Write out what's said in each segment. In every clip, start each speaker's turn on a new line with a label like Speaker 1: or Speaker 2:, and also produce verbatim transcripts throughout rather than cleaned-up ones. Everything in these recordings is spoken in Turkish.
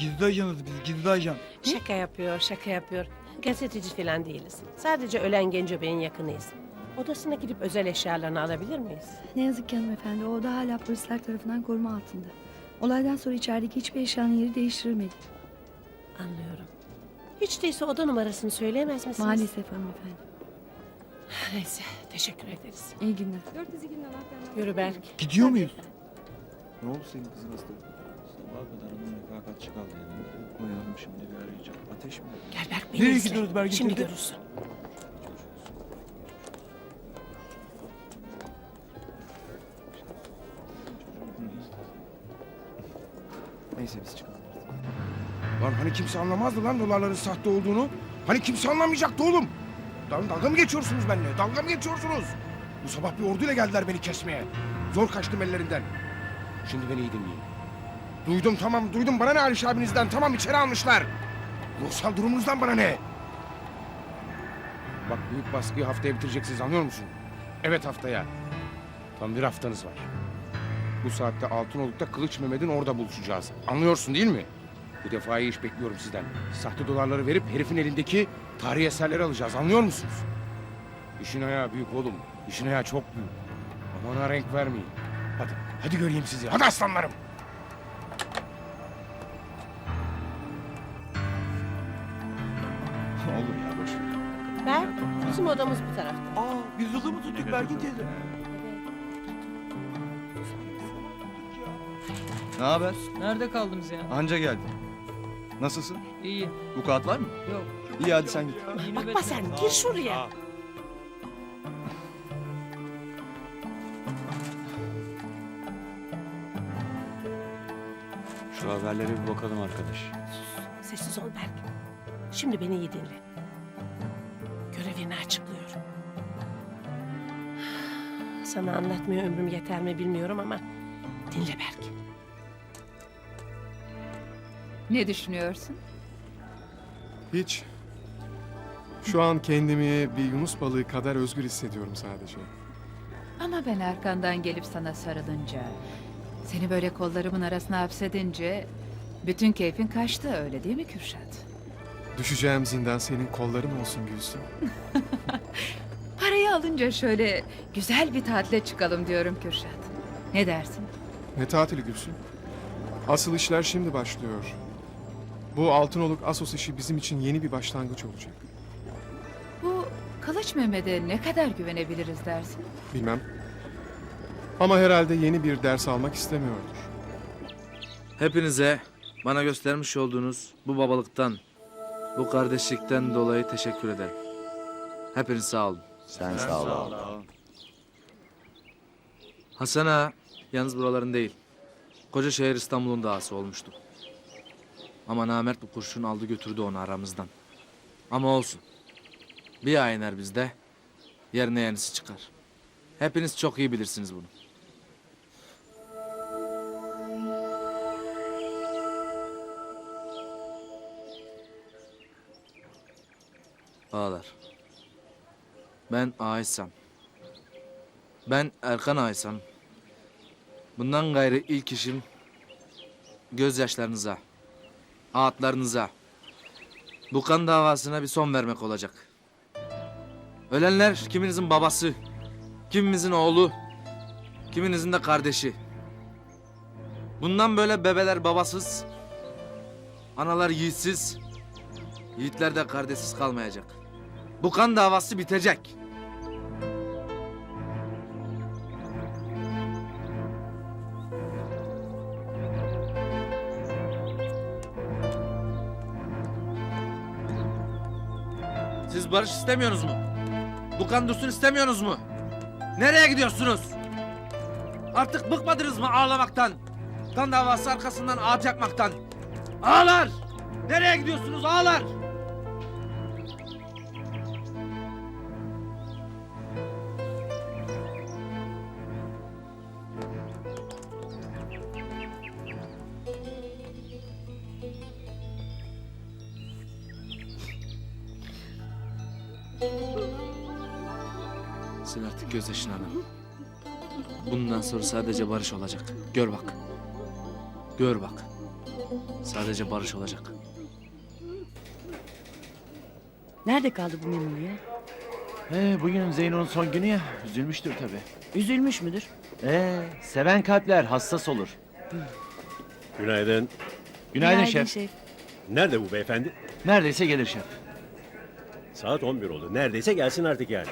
Speaker 1: Gizli ajanız biz, gizli ajan.
Speaker 2: Şaka yapıyor, şaka yapıyor. Gazeteci falan değiliz. Sadece ölen Genco Bey'in yakınıyız. Odasına gidip özel eşyalarını alabilir miyiz?
Speaker 3: Ne yazık ki hanımefendi, o oda hala polisler tarafından koruma altında. Olaydan sonra içerideki hiçbir eşyanın yeri değiştirilmedi.
Speaker 2: Anlıyorum. Hiç değilse oda numarasını söyleyemez misiniz?
Speaker 3: Maalesef hanımefendi.
Speaker 2: Neyse, teşekkür ederiz.
Speaker 3: İyi günler.
Speaker 2: Yürü Berk.
Speaker 1: Gidiyor muyuz?
Speaker 4: Ne oldu senin kızın hasta? Sabaha kadar onun refakatçi kaldı yanında. Uyandım şimdi bir arayacağım. Ateş mi?
Speaker 2: Gel Berk, beni
Speaker 1: Nereye
Speaker 2: izle.
Speaker 1: gidiyoruz Bergin
Speaker 2: Şimdi
Speaker 1: teyze?
Speaker 2: görürsün.
Speaker 4: Neyse biz çıkalım artık.
Speaker 5: Lan hani kimse anlamazdı lan dolarların sahte olduğunu? Hani kimse anlamayacaktı oğlum? Lan dalga mı geçiyorsunuz benimle? Dalga mı geçiyorsunuz? Bu sabah bir orduyla geldiler beni kesmeye. Zor kaçtım ellerinden. Şimdi beni iyi dinleyin. Duydum tamam duydum bana ne Aliş abinizden tamam içeri almışlar. Ruhsal durumunuzdan bana ne? Bak büyük baskıyı haftaya bitireceksiniz anlıyor musun? Evet haftaya. Tam bir haftanız var. Bu saatte Altınoluk'ta Kılıç Mehmet'in orada buluşacağız. Anlıyorsun değil mi? Bu defa iyi iş bekliyorum sizden. Sahte dolarları verip herifin elindeki tarihi eserleri alacağız. Anlıyor musunuz? İşin ayağı büyük oğlum. İşin ayağı çok büyük. Aman ha renk vermeyin. Hadi, hadi göreyim sizi. Hadi aslanlarım.
Speaker 4: Olur ya boş ver.
Speaker 2: Berk, bizim odamız bu tarafta.
Speaker 1: Aa, biz yolu mu tuttuk Bergin teyze?
Speaker 4: Ne haber?
Speaker 6: Nerede kaldınız ya?
Speaker 4: Anca geldim. Nasılsın?
Speaker 6: İyi.
Speaker 4: Bu kağıt var mı?
Speaker 6: Yok.
Speaker 4: İyi hadi sen git.
Speaker 6: İyi
Speaker 2: Bakma
Speaker 6: nöbetler.
Speaker 2: sen, gir şuraya.
Speaker 7: Şu haberlere bir bakalım arkadaş.
Speaker 2: Sessiz ol Berk. Şimdi beni iyi dinle. Görevini açıklıyorum. Sana anlatmaya ömrüm yeter mi bilmiyorum ama dinle Berk.
Speaker 8: Ne düşünüyorsun?
Speaker 9: Hiç. Şu an kendimi bir yunus balığı kadar özgür hissediyorum sadece.
Speaker 8: Ama ben arkandan gelip sana sarılınca, seni böyle kollarımın arasına hapsedince bütün keyfin kaçtı öyle değil mi Kürşat?
Speaker 9: Düşeceğim zindan senin kolların olsun Gülsüm.
Speaker 8: Parayı alınca şöyle güzel bir tatile çıkalım diyorum Kürşat. Ne dersin?
Speaker 9: Ne tatili Gülsüm? Asıl işler şimdi başlıyor. Bu Altınoluk Asos işi bizim için yeni bir başlangıç olacak.
Speaker 8: Bu Kılıç Mehmet'e ne kadar güvenebiliriz dersin?
Speaker 9: Bilmem. Ama herhalde yeni bir ders almak istemiyordur.
Speaker 10: Hepinize bana göstermiş olduğunuz bu babalıktan, bu kardeşlikten dolayı teşekkür ederim. Hepiniz sağ olun.
Speaker 4: Sen sağ ol.
Speaker 10: Hasan ağa yalnız buraların değil. Koca şehir İstanbul'un dağısı olmuştu. Ama namert bu kurşun aldı götürdü onu aramızdan. Ama olsun. Bir ay iner bizde, yerine yenisi çıkar. Hepiniz çok iyi bilirsiniz bunu. Ağalar. Ben Aysam. Ben Erkan Aysam. Bundan gayrı ilk işim gözyaşlarınıza, ağıtlarınıza, bu kan davasına bir son vermek olacak. Ölenler kiminizin babası, kimimizin oğlu, kiminizin de kardeşi. Bundan böyle bebeler babasız, analar yiğitsiz, yiğitler de kardeşsiz kalmayacak. Bu kan davası bitecek. Siz barış istemiyorsunuz mu? Bu kan dursun istemiyorsunuz mu? Nereye gidiyorsunuz? Artık bıkmadınız mı ağlamaktan? Kan davası arkasından ağaç yakmaktan. Ağalar! Nereye gidiyorsunuz ağalar? Sil artık gözyaşını hanım. Bundan sonra sadece barış olacak. Gör bak. Gör bak. Sadece barış olacak.
Speaker 6: Nerede kaldı bu Memoli ya?
Speaker 11: He, bugün Zeyno'nun son günü ya. Üzülmüştür tabii.
Speaker 6: Üzülmüş müdür?
Speaker 11: Ee, seven kalpler hassas olur.
Speaker 12: Günaydın.
Speaker 11: Günaydın, şef.
Speaker 12: Nerede bu beyefendi?
Speaker 11: Neredeyse gelir şef.
Speaker 12: Saat on bir oldu. Neredeyse gelsin artık yani.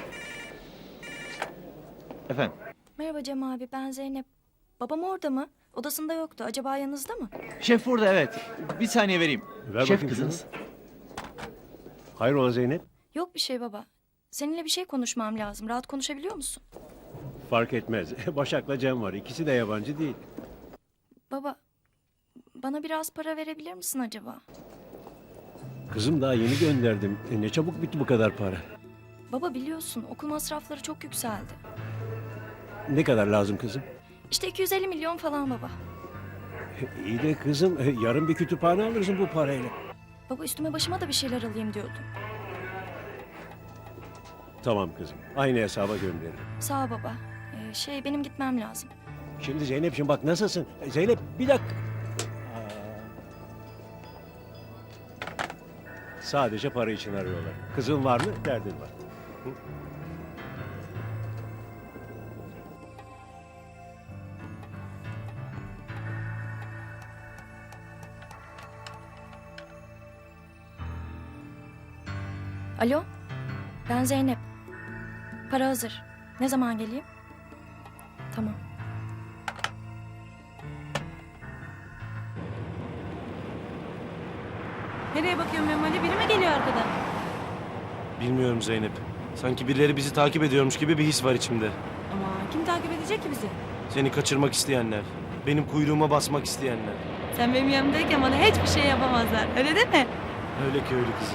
Speaker 11: Efendim?
Speaker 13: Merhaba Cem abi, ben Zeynep. Babam orada mı? Odasında yoktu. Acaba yanınızda mı?
Speaker 11: Şef burada, evet. Bir saniye vereyim.
Speaker 12: Ver
Speaker 11: şef
Speaker 12: bakayım
Speaker 11: kızınız.
Speaker 12: Hayrola Zeynep?
Speaker 13: Yok bir şey baba. Seninle bir şey konuşmam lazım. Rahat konuşabiliyor musun?
Speaker 12: Fark etmez. Başak'la Cem var. İkisi de yabancı değil.
Speaker 13: Baba, bana biraz para verebilir misin acaba?
Speaker 12: Kızım daha yeni gönderdim. E, ne çabuk bitti bu kadar para.
Speaker 13: Baba biliyorsun okul masrafları çok yükseldi.
Speaker 12: Ne kadar lazım kızım?
Speaker 13: İşte iki yüz elli milyon falan baba.
Speaker 12: E, İyi de kızım e, yarın bir kütüphane alırsın bu parayla.
Speaker 13: Baba üstüme başıma da bir şeyler alayım diyordum.
Speaker 12: Tamam kızım. Aynı hesaba gönderirim.
Speaker 13: Sağ ol baba. Ee, şey benim gitmem lazım.
Speaker 12: Şimdi Zeynep'ciğim bak nasılsın? E, Zeynep bir dakika. Aa. Sadece para için arıyorlar. Kızın var mı? Derdin var. Hı?
Speaker 13: Alo, ben Zeynep. Para hazır. Ne zaman geleyim? Tamam.
Speaker 6: Nereye bakıyorsun Memoli? Biri mi geliyor arkadan?
Speaker 7: Bilmiyorum Zeynep. Sanki birileri bizi takip ediyormuş gibi bir his var içimde.
Speaker 6: Ama kim takip edecek ki bizi?
Speaker 7: Seni kaçırmak isteyenler. Benim kuyruğuma basmak isteyenler.
Speaker 6: Sen benim yanımdayken bana hiçbir şey yapamazlar. Öyle değil mi?
Speaker 7: Öyle köylü kızı.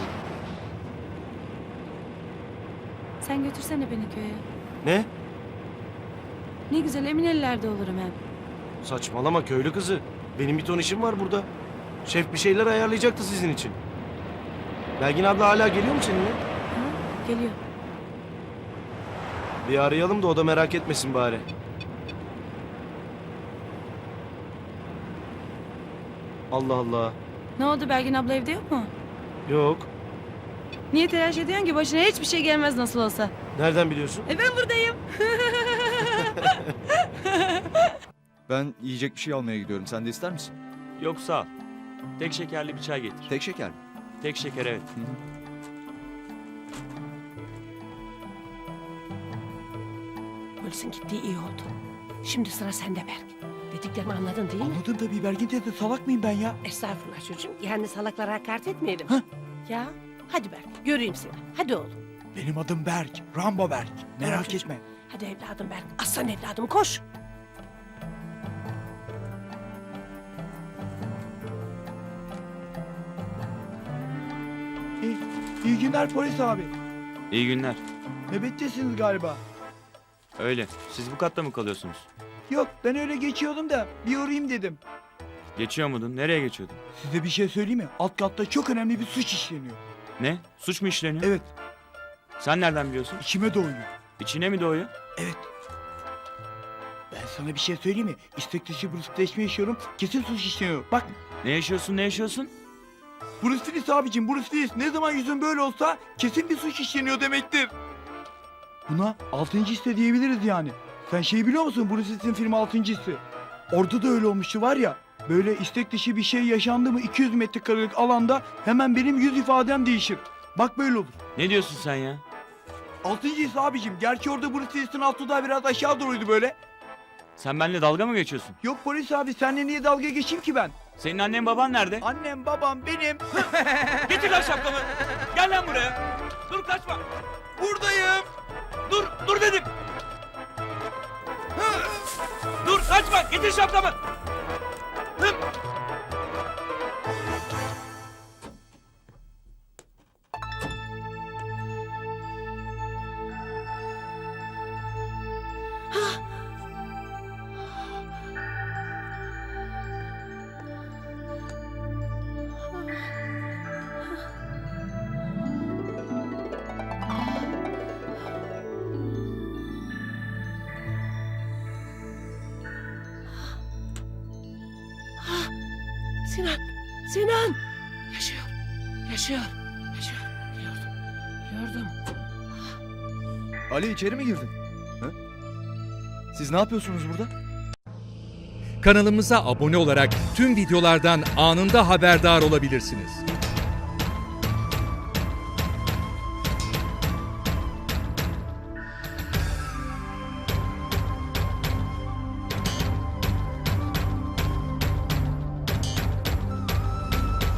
Speaker 6: Sen götürsene beni köye.
Speaker 7: Ne?
Speaker 6: Ne güzel emin ellerde olurum hem.
Speaker 7: Saçmalama köylü kızı. Benim bir ton işim var burada. Şef bir şeyler ayarlayacaktı sizin için. Belgin abla hala geliyor mu seninle?
Speaker 6: Ha, geliyor.
Speaker 7: Bir arayalım da o da merak etmesin bari. Allah Allah.
Speaker 6: Ne oldu Belgin abla evde yok mu?
Speaker 7: Yok.
Speaker 6: Niye telaş ediyorsun ki başına hiçbir şey gelmez nasıl olsa?
Speaker 7: Nereden biliyorsun?
Speaker 6: E ben buradayım.
Speaker 4: Ben yiyecek bir şey almaya gidiyorum. Sen de ister misin?
Speaker 7: Yok sağ ol. Tek şekerli bir çay getir.
Speaker 4: Tek şeker mi?
Speaker 7: Tek şeker evet.
Speaker 2: Polisin gittiği iyi oldu. Şimdi sıra sende Berk. Dediklerimi anladın değil mi?
Speaker 1: Anladım tabii Bergin teyze, salak mıyım ben ya?
Speaker 2: Estağfurullah çocuğum. Yani salaklara hakaret etmeyelim.
Speaker 1: Hah.
Speaker 2: Ya hadi Berk göreyim seni. Hadi oğlum.
Speaker 1: Benim adım Berk, Rambo Berk. Merak
Speaker 2: çocuğum.
Speaker 1: etme.
Speaker 2: Hadi evladım Berk. Aslan evladım koş.
Speaker 1: İyi, iyi günler polis abi.
Speaker 7: İyi günler.
Speaker 1: Nöbettesiniz galiba.
Speaker 7: Öyle. Siz bu katta mı kalıyorsunuz?
Speaker 1: Yok, ben öyle geçiyordum da bir uğrayayım dedim.
Speaker 7: Geçiyor muydun? Nereye geçiyordun?
Speaker 1: Size bir şey söyleyeyim mi? Alt katta çok önemli bir suç işleniyor.
Speaker 7: Ne? Suç mu işleniyor?
Speaker 1: Evet,
Speaker 7: Sen nereden biliyorsun?
Speaker 1: içime doğuyor.
Speaker 7: İçine mi doğuyor?
Speaker 1: Evet. Ben sana bir şey söyleyeyim mi? İstek dışı Bruce yaşıyorum. Kesin suç işleniyor. Bak,
Speaker 7: Ne yaşıyorsun ne yaşıyorsun?
Speaker 1: Bruce Willis abicim, Bruce Willis. Ne zaman yüzün böyle olsa kesin bir suç işleniyor demektir. Buna altıncı hisse diyebiliriz yani. Sen şey biliyor musun? Bruce Willis'in filmi altıncı hisse. Orada da öyle olmuştu var ya. Böyle istek dışı bir şey yaşandı mı iki yüz metrekarelik alanda hemen benim yüz ifadem değişir. Bak böyle olur.
Speaker 7: Ne diyorsun sen ya?
Speaker 1: Altıncı hisse abicim. Gerçi orada Bruce Willis'in altı da biraz aşağı doğruydu böyle.
Speaker 7: Sen benimle dalga mı geçiyorsun?
Speaker 1: Yok polis abi, seninle niye dalga geçeyim ki ben?
Speaker 7: Senin annen baban nerede?
Speaker 1: Annem babam benim.
Speaker 7: Getir lan şapkamı. Gel lan buraya. Dur kaçma.
Speaker 1: Buradayım.
Speaker 7: Dur dur dedim. Dur kaçma. Getir şapkamı. Hı.
Speaker 2: Sinan Sinan! Yaşıyor. Yaşıyor. Yaşıyor. Biliyordum. Biliyordum.
Speaker 4: Ali içeri mi girdin? Ha? Siz ne yapıyorsunuz burada?
Speaker 14: Kanalımıza abone olarak tüm videolardan anında haberdar olabilirsiniz.